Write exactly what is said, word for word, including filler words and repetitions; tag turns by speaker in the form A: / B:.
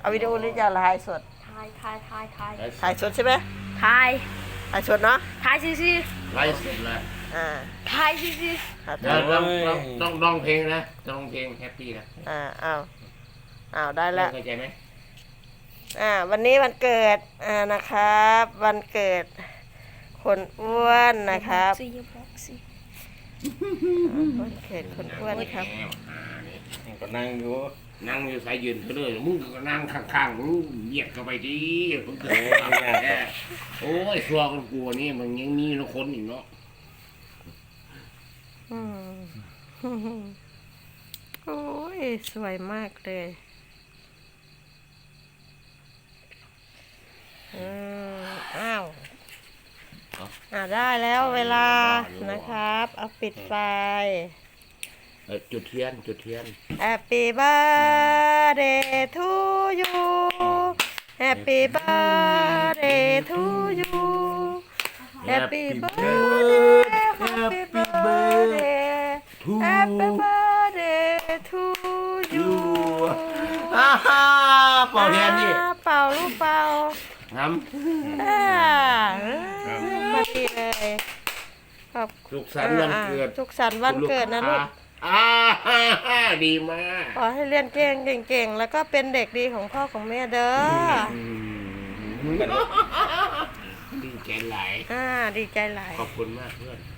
A: เอาวิดีโอหรือจะถ่ายสด
B: ถ่ายถ่ายถ่ายถ่าย
A: ถ่ายสดใช่ไหม
B: ถ่าย
A: ถ่ายสดเนาะ
B: ถ่ายซิซิ
C: ไล่เสร็จแล้ว
A: อ่า
B: ถ่ายซิซิ
A: ถ่าย
C: เดี๋ยวต้องต้องต้องร้องเพลงนะต้องร้องเพลงแฮปปี้นะ
A: อ่าอ้าวอ้าวได้แล้ว
C: เข้าใจไหม
A: อ่าวันนี้วันเกิดอ่านะครับ วันเกิดคนอ้วนนะครับ
B: ซีบอกซี
A: อ่าวันเกิดคนอ้วนครับ
C: แหมอ่านี่
D: ก็นั่งอยู่
C: นั่งอยู่สายยืนเธอเลยมึงก็นั่งข้างๆมึงเหยียดเข้าไปดิมึงเกิดโอ้ยสัวกันกลัวนี่มันยังมีนะคนอีกเนาะ
A: อืมโอ้ยสวยมากเลยอืมอ้าวอ่าได้แล้วเวลานะครับ เอาปิดไฟ
C: เออจุดเทียนจุดเทียน
A: Happy birthday to you Happy birthday to you Happy birthday Happy birthday Happy birthday to you
C: ฮ่าฮ่าเป่าเทียนดิ
A: อ่าเป่าลูกเป่า
C: ท
A: อ่ามาดีเลยขอบ
C: ำสุขสันต์วันเกิด
A: อ่าสุขสันต์วันเกิดนะลูก
C: อ่าฮ่าฮ่าดีมาก
A: ขอให้เรียนเก่งเก่งๆ แล้วก็เป็นเด็กดีของพ่อของแม่เด้อ
C: อืมดีใจหลาย
A: อ่า ดีใจหลาย
C: ขอบคุณมากเพื่อน